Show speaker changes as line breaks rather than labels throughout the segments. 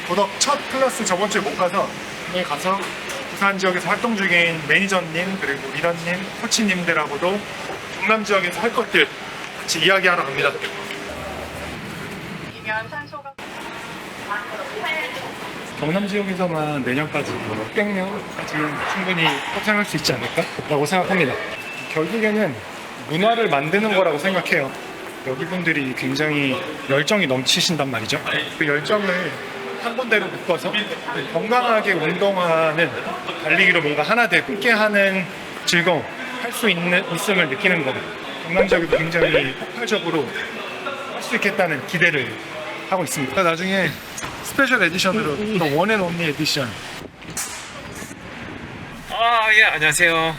도덕 첫 클래스 저번 주에 못 가서 오늘 가서 부산 지역에서 활동 중인 매니저님 그리고 리더님, 코치님들하고도 경남 지역에서 할 것들 같이 이야기하러 갑니다. 경남 지역에서만 내년까지 600명까지는 충분히 확장할 수 있지 않을까라고 생각합니다. 결국에는 문화를 만드는 거라고 생각해요. 여기 분들이 굉장히 열정이 넘치신단 말이죠. 그 열정을 한 군데로 묶어서 건강하게 운동하는 달리기로 뭔가 하나 되고 함께하는 즐거움, 할 수 있음을 느끼는 거. 경남 지역에도 굉장히 폭발적으로 할 수 있겠다는 기대를 하고 있습니다. 나중에 스페셜 에디션으로 또 원앤 온리 에디션.
예, 안녕하세요.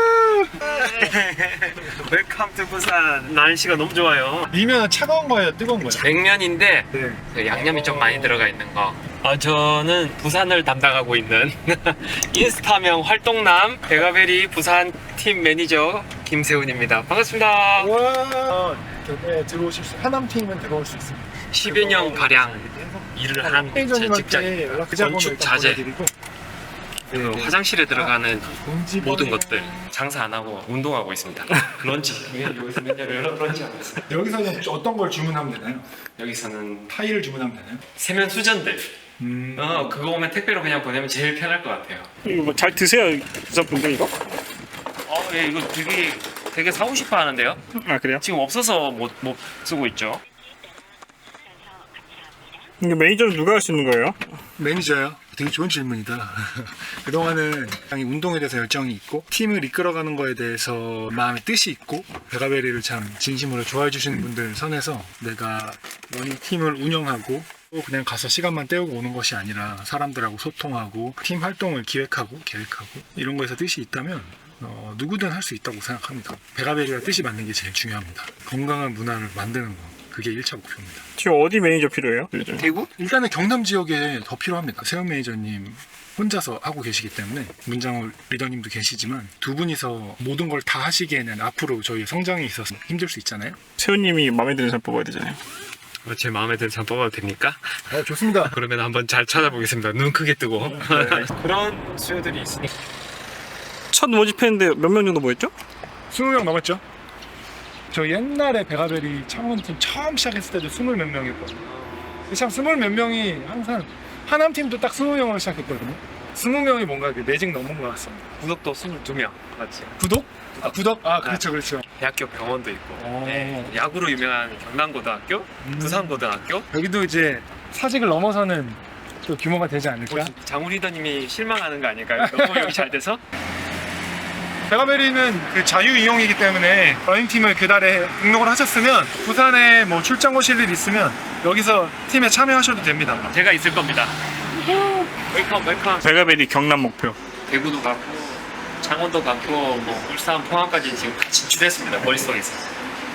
웰컴 투 부산. 날씨가 너무 좋아요.
미면은 차가운 거예요, 뜨거운 거예요?
냉면인데
네.
양념이 좀 많이 들어가 있는 거. 저는 부산을 담당하고 있는 인스타명 활동남 베가베리 부산 팀 매니저 김세훈입니다. 반갑습니다.
와, 여기에 들어오실 수, 하남 팀은 들어올 수 있습니다.
10여 년 가량 일을 한 제 직장, 건축 자재, 그 화장실에 들어가는 모든 것들 장사 안 하고 운동하고 있습니다. 런치 여기서 맨날 런치하고 있어요.
여기서는 어떤 걸 주문하면 되나요?
여기서는
타일을 주문하면 되나요?
세면 수전들 그거 오면 택배로 그냥 보내면 제일 편할 것 같아요.
이거 뭐 잘 드세요, 부산 분들 이거?
예, 이거 되게 사고 싶어 하는데요.
아 그래요?
지금 없어서 못 쓰고 있죠.
이게 매니저는 누가 할 수 있는 거예요?
매니저요? 되게 좋은 질문이다. 그동안은 당연히 운동에 대해서 열정이 있고 팀을 이끌어가는 거에 대해서 마음의 뜻이 있고 베가베리를 참 진심으로 좋아해 주시는 분들 선에서 내가 원인 팀을 운영하고 그냥 가서 시간만 때우고 오는 것이 아니라 사람들하고 소통하고 팀 활동을 기획하고 계획하고 이런 거에서 뜻이 있다면 누구든 할 수 있다고 생각합니다. 베가베리와 뜻이 맞는 게 제일 중요합니다. 건강한 문화를 만드는 거 그게 1차 목표입니다.
지금 어디 매니저 필요해요?
대구?
일단은 경남 지역에 더 필요합니다. 세훈 매니저님 혼자서 하고 계시기 때문에 문장호 리더님도 계시지만 두 분이서 모든 걸 다 하시기에는 앞으로 저희의 성장에 있어서 힘들 수 있잖아요.
세훈님이 마음에 드는 사람 뽑아야 되잖아요.
제 마음에 드는 사람 뽑아도 됩니까?
좋습니다.
그러면 한번 잘 찾아보겠습니다. 눈 크게 뜨고. 그런 수요들이 있으니까.
첫 모집했는데 몇 명 정도 모였죠?
20명 넘었죠? 저 옛날에 베가베리 창원팀 처음 시작했을 때도 20 몇 명이었거든요. 참 20 몇 명이 항상 하남팀도 딱 20명으로 시작했거든요. 20명이 뭔가 매직 넘은 것 같습니다.
구독도 22명 맞지?
구독? 구독? 그렇죠, 그렇죠.
대학교 병원도 있고
네.
야구로 유명한 경남고등학교, 부산고등학교.
여기도 이제 사직을 넘어서는 또 규모가 되지 않을까?
장우 리더님이 실망하는 거 아닐까요? 너무 여기 잘 돼서?
베가베리는 그 자유 이용이기 때문에 러닝팀을 그달에 등록을 하셨으면 부산에 뭐 출장 오실 일 있으면 여기서 팀에 참여하셔도 됩니다.
제가 있을 겁니다. 웰컴.
베가베리 경남 목표.
대구도 가고 창원도 가고 뭐 울산 포항까지 지금 다 진출했습니다. 머릿속에서.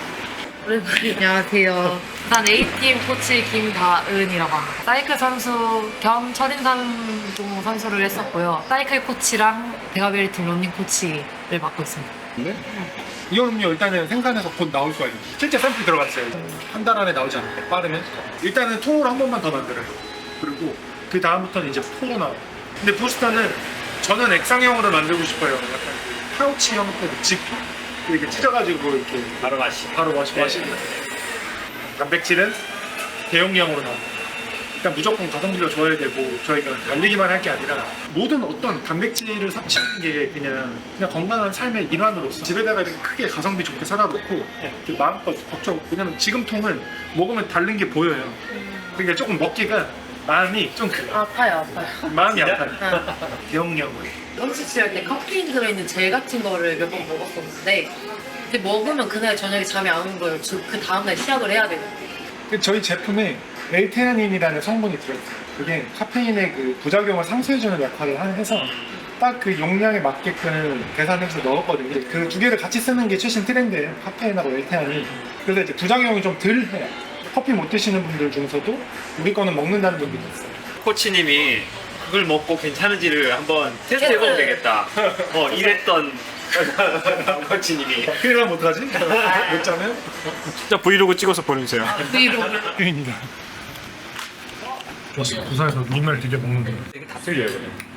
안녕하세요. 부산 A팀 코치 김다은이라고 합니다. 사이클 선수 겸 철인산동 선수를 했었고요. 사이클 코치랑 베가베리 팀 러닝 코치를 맡고 있습니다.
네? 이온 음료 일단은 생산해서 곧 나올 거예요. 실제 샘플 들어갔어요. 한 달 안에 나오지 않을까? 빠르면? 일단은 통으로 한 번만 더 만들어요. 그리고 그 다음부터는 이제 포로 나와요. 근데 부스터는 저는 액상형으로 만들고 싶어요. 약간 그 파우치 형태로 집 이렇게 찢어가지고 이렇게 바로 마시는. 단백질은 대용량으로 나옵니다. 일단 무조건 가성비가 좋아야 되고 저희가 달리기만 할 게 아니라 모든 어떤 단백질을 섭취하는 게 그냥 건강한 삶의 일환으로서 집에다가 이렇게 크게 가성비 좋게 살아놓고 그 마음껏 걱정. 왜냐면 지금 통은 먹으면 다른 게 보여요. 그러니까 조금 먹기가 마음이 좀
아파요.
마음이 아파요. 대용량으로.
런치 할 때 카페인 들어있는 젤 같은 거를 몇 번 먹었었는데 근데 먹으면 그날 저녁에 잠이 안 오는 거예요. 그 다음날 시작을 해야 되는데
저희 제품에 L테아닌이라는 성분이 들어있어요. 그게 카페인의 그 부작용을 상쇄해주는 역할을 해서 딱 그 용량에 맞게끔 계산해서 넣었거든요. 그 두 개를 같이 쓰는 게 최신 트렌드예요. 카페인하고 L테아닌. 그래서 이제 부작용이 좀 덜 해요. 커피 못 드시는 분들 중에서도 우리 거는 먹는다는 분들이 있어요.
코치님이 그걸 먹고 괜찮은지를 한번 테스트해보면 되겠다. 이랬던 코치님이.
큰일 나면 어떡하지? 못 자면?
진짜 브이로그 찍어서 보내주세요.
브이로그
입니다. 부산에서 눈을 되게 먹는데
되게 다 틀려요.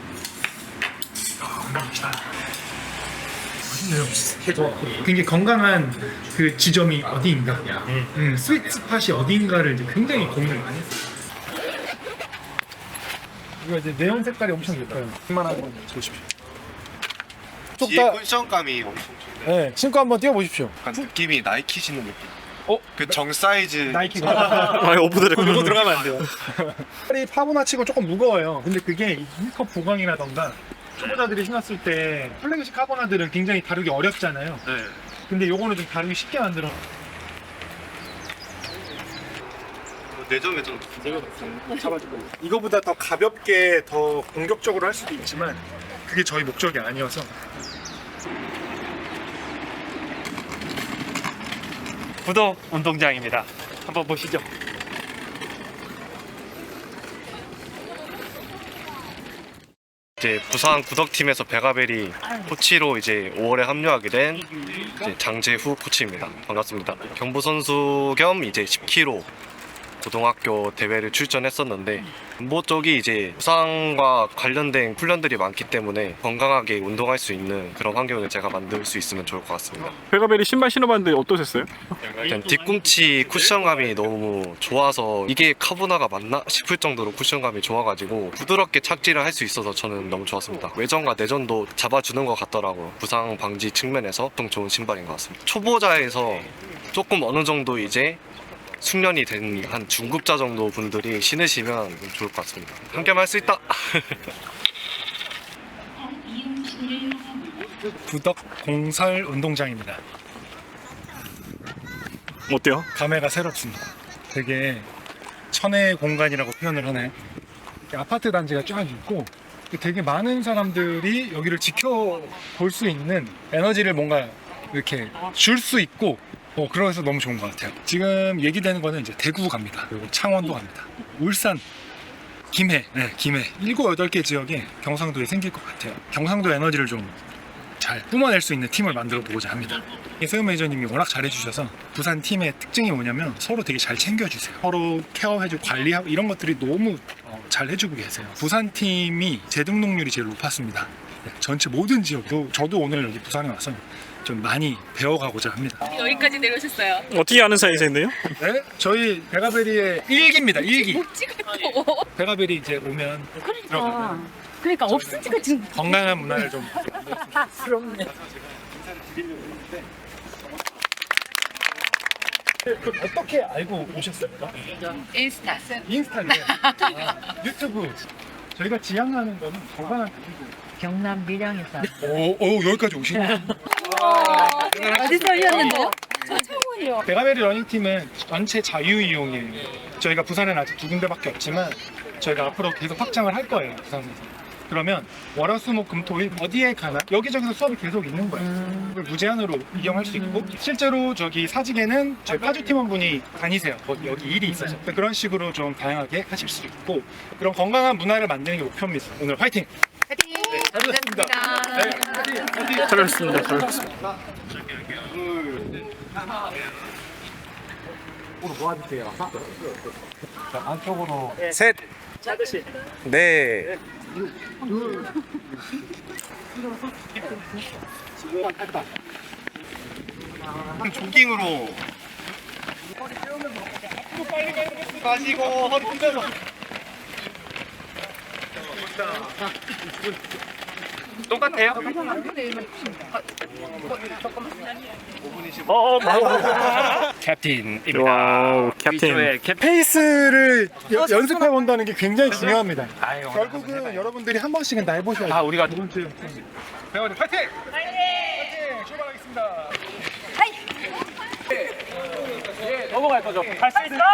맛있네요. 굉장히 건강한 그 지점이 어디인가, 스위트 스팟이 어디인가를 이제 굉장히 고민을 많이 했어요. 이거 이제 네온 색깔이 엄청 예뻐요. 이만한 거 보십시오.
뒤에 쿠션감이 엄청 좋네요.
네, 신고 한번 띄워보십시오.
약간 느낌이 나이키 신는 느낌.
어?
그 정 사이즈.
나이키가.
아, 오프드레.
이거 들어가면 안 돼요. 팔이 파보나치고 조금 무거워요. 근데 그게 E컵 보강이라던가 초보자들이 신었을 때 플래그십 카보나들은 굉장히 다루기 어렵잖아요.
네.
근데 요거는 좀 다루기 쉽게 만들어.
내점에 좀
잡아주고. 이거보다 더 가볍게 더 공격적으로 할 수도 있지만 그게 저희 목적이 아니어서.
구독 운동장입니다. 한번 보시죠.
이제 부산 구덕팀에서 베가벨이 코치로 이제 5월에 합류하게 된 이제 장재후 코치입니다. 반갑습니다. 경부 선수 겸 이제 10km 고등학교 대회를 출전했었는데 뭐 쪽이 이제 부상과 관련된 훈련들이 많기 때문에 건강하게 운동할 수 있는 그런 환경을 제가 만들 수 있으면 좋을 것 같습니다.
베가벨이 신발 신어봤는데 어떠셨어요?
일단 뒤꿈치 쿠션감이 너무 좋아서 이게 카보나가 맞나 싶을 정도로 쿠션감이 좋아가지고 부드럽게 착지를 할 수 있어서 저는 너무 좋았습니다. 외전과 내전도 잡아주는 것 같더라고요. 부상 방지 측면에서 엄청 좋은 신발인 것 같습니다. 초보자에서 조금 어느 정도 이제 숙련이 된 한 중급자 정도 분들이 신으시면 좋을 것 같습니다. 함께 할 수 있다!
구덕 공설 운동장입니다.
어때요?
감회가 새롭습니다. 되게 천혜의 공간이라고 표현을 하나요? 이렇게 아파트 단지가 쫙 있고 되게 많은 사람들이 여기를 지켜볼 수 있는 에너지를 뭔가 이렇게 줄 수 있고 그래서 너무 좋은 것 같아요. 지금 얘기되는 거는 이제 대구 갑니다. 그리고 창원도 갑니다. 울산, 김해, 7, 8개 지역에 경상도에 생길 것 같아요. 경상도 에너지를 좀 잘 뿜어낼 수 있는 팀을 만들어 보고자 합니다. 세움 매니저님이 워낙 잘해주셔서 부산 팀의 특징이 뭐냐면 서로 되게 잘 챙겨주세요. 서로 케어해주고 관리하고 이런 것들이 너무 잘 해주고 계세요. 부산 팀이 재등록률이 제일 높았습니다. 전체 모든 지역도 저도 오늘 여기 부산에 와서 좀 많이 배워가고자 합니다.
여기까지 내려오셨어요.
어떻게 아는 사이세인데요?
네? 저희 베가베리의 일기입니다. 일기.
찍었고.
베가베리 이제 오면
그러니까 없으니까 지금
건강한 문화를 좀
부럽네.
어떻게 알고 오셨습니까?
인스타.
인스타그램, 유튜브. 저희가 지향하는 거는 건강한
경남 밀양에서.
오 여기까지 오시네요.
어디서 오셨는데요? 저 창원이요.
베가베리 러닝팀은 전체 자유 이용이에요. 저희가 부산에는 아직 2군데밖에 없지만 저희가 앞으로 계속 확장을 할 거예요. 부산에서. 그러면 월화수목금토일 어디에 가나 여기저기서 수업이 계속 있는 거예요. 그걸 무제한으로 이용할 수 있고 실제로 저기 사직에는 저희 파주 팀원분이 다니세요. 여기 일이 있어서 그런 식으로 좀 다양하게 하실 수 있고 그런 건강한 문화를 만드는 게 목표입니다. 오늘 화이팅!
화이팅!
잘하셨습니다. 네,
잘하셨습니다. 잘하셨습니다.
셋! 네! 조깅으로 가시고 허리 펴서
똑같아요? 캡틴입니다.
와우, 캡틴.
위조의 캡틴.
페이스를 연습해 본다는 게 굉장히 중요합니다.
아유,
결국은 여러분들이 한 번씩은 날 보셔야
아, 우리가
두 번째 배워야 파이팅! 파이팅! 출발하겠습니다.
넘어갈 거죠? 갈 수 있어!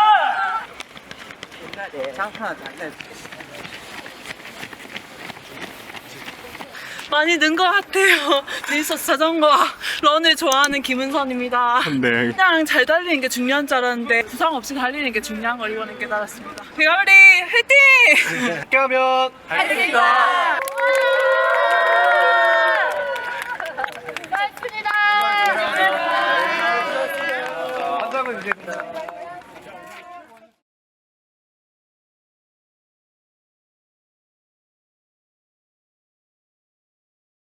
많이 는 것 같아요. 릴서스 자전거와 런을 좋아하는 김은선입니다.
네.
그냥 잘 달리는 게 중요한 줄 알았는데 부상 없이 달리는 게 중요한 걸 이번에 깨달았습니다. 베가베리 화이팅!
함께 하면
화이팅입니다.
한 장은 이제